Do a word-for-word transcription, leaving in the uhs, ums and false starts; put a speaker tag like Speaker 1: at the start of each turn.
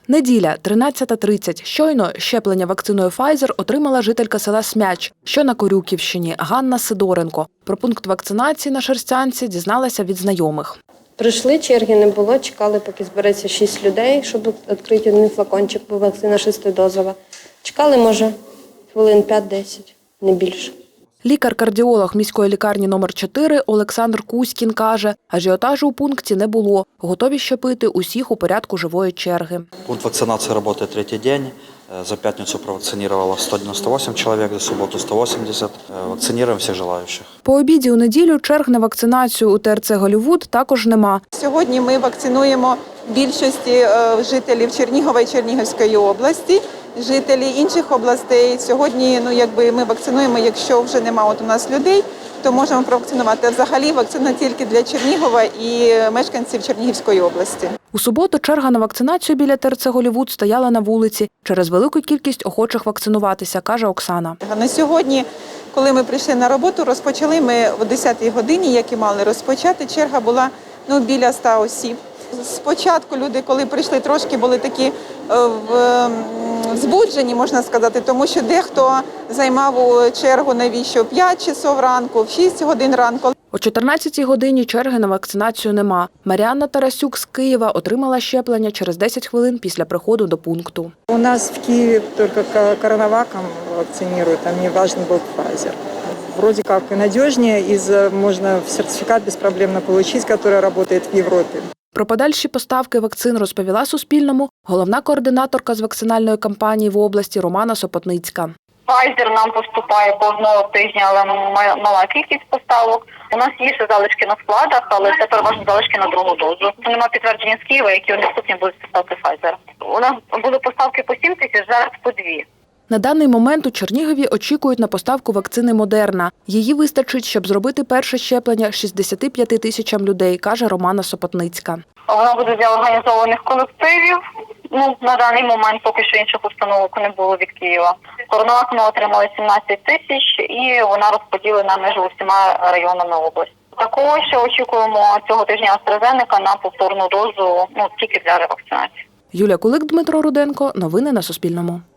Speaker 1: Неділя, тринадцята тридцять. Щойно щеплення вакциною Pfizer отримала жителька села Смяч, що на Корюківщині, Ганна Сидоренко. Про пункт вакцинації на Шерстянці дізналася від знайомих.
Speaker 2: Прийшли, черги не було, чекали, поки збереться шість людей, щоб відкрити один флакончик, бо вакцина шестидозова. Чекали, може, хвилин п'ять-десять, не більше.
Speaker 1: Лікар-кардіолог міської лікарні номер чотири Олександр Кузькін каже, ажіотажу у пункті не було. Готові щепити усіх у порядку живої черги.
Speaker 3: Пункт вакцинации работает третий день. За пятницу провакцинировало сто девяносто восемь человек, за субботу сто восемьдесят. Вакцинируем всех желающих.
Speaker 1: По обіді у неділю черг на вакцинацію у ТРЦ «Голлівуд» також нема.
Speaker 4: Сьогодні ми вакцинуємо більшості жителів Чернігова і Чернігівської області. Жителі інших областей сьогодні, ну якби ми вакцинуємо, якщо вже немає от у нас людей, то можемо провакцинувати. Взагалі вакцина тільки для Чернігова і мешканців Чернігівської області.
Speaker 1: У суботу черга на вакцинацію біля ТРЦ «Голлівуд» стояла на вулиці через велику кількість охочих вакцинуватися, каже Оксана.
Speaker 4: На сьогодні, коли ми прийшли на роботу, розпочали ми о десятій годині, як і мали розпочати. Черга була ну, біля ста осіб. Спочатку люди, коли прийшли, трошки були такі в збуджені, можна сказати, тому що дехто займав у чергу навіщо п'ять часов ранку, в шість годин ранку.
Speaker 1: О чотирнадцятій годині черги на вакцинацію нема. Маріанна Тарасюк з Києва отримала щеплення через десять хвилин після приходу до пункту.
Speaker 5: У нас в Киеве только коронаваком вакцинируют, а мне важен был Pfizer. Вроде как и надежнее, из можно сертификат беспроблемно получить, который работает в Европе.
Speaker 1: Про подальші поставки вакцин розповіла Суспільному головна координаторка з вакцинальної кампанії в області Романа Сопотницька.
Speaker 6: Pfizer нам поступає кожного тижня, але мала кількість поставок. У нас є ще залишки на складах, але це переважно залишки на другу дозу. Це немає підтвердження з Києва, які наступні будуть поставки Pfizer. У нас були поставки по сім тисяч, зараз по дві.
Speaker 1: На даний момент у Чернігові очікують на поставку вакцини «Модерна». Її вистачить, щоб зробити перше щеплення шістдесяти п'яти тисячам людей, каже Романа Сопотницька.
Speaker 6: Вона буде для організованих колективів. Ну, на даний момент поки що інших установок не було від Києва. Коронавак ми отримали сімнадцять тисяч і вона розподілена між усіма районами області. Також ще очікуємо цього тижня AstraZeneca на повторну дозу, ну, тільки для ревакцинації.
Speaker 1: Юлія Кулик, Дмитро Руденко. Новини на Суспільному.